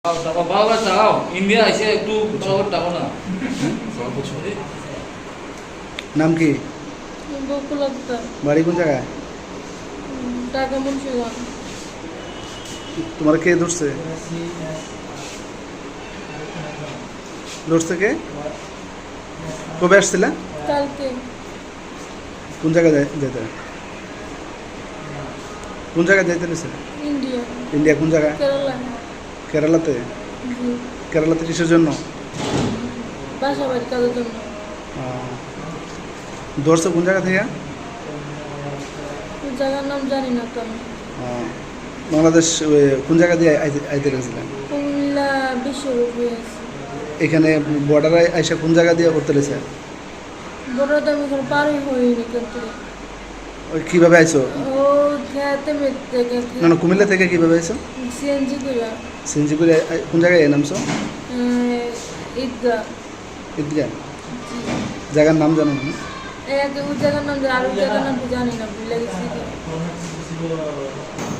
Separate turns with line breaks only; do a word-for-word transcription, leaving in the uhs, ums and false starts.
টাকা বাবা চাও ইন্ডিয়া এসে একটু শহর টাকা না
নাম কি?
বকুল আক্তার,
বাড়ি কোন জায়গায়?
ঢাকা মুন্সিগঞ্জ।
তোমার কে ধরছে? ধরছে কে? কবে আসছিলে?
কালকে
কোন জায়গায় যাই- যেতে? কোন জায়গায় যাইতে নিছে?
ইন্ডিয়া,
ইন্ডিয়া কোন জায়গায়?
কেরালা।
কেরালাতে?
জি,
কেরালাতে কিসের জন্য?
বাসা বাড়ি কাজের জন্য।
আহ, ধরছে কোন জায়গা থেকে?
ওই জায়গার নাম জানি না তো আমি।
আহ, বাংলাদেশ ওই কোন জায়গা দিয়ে আইতে- আইতে গেছিলেন?
কুমিল্লা বিশ্বরূপ হয়েছে।
এখানে বর্ডারে আইসা কোন জায়গা দিয়ে করতে লেছে?
বড় তো আমি কোনো পারই হইনি কিন্তু
ওই কীভাবে আইছো?
ও খেতে মেতে গেছে
না না কুমিল্লা থেকে কীভাবে আইছো?
সিএনজি করে
সিঞ্জিপুরে কোন জায়গায় নামছো?
ঈদগা।
ঈদগাহ জায়গার নাম জানো না?
এক ওই জায়গার নাম জানি, আর ওই জায়গার নাম তো জানি না, ভুলে গেছি।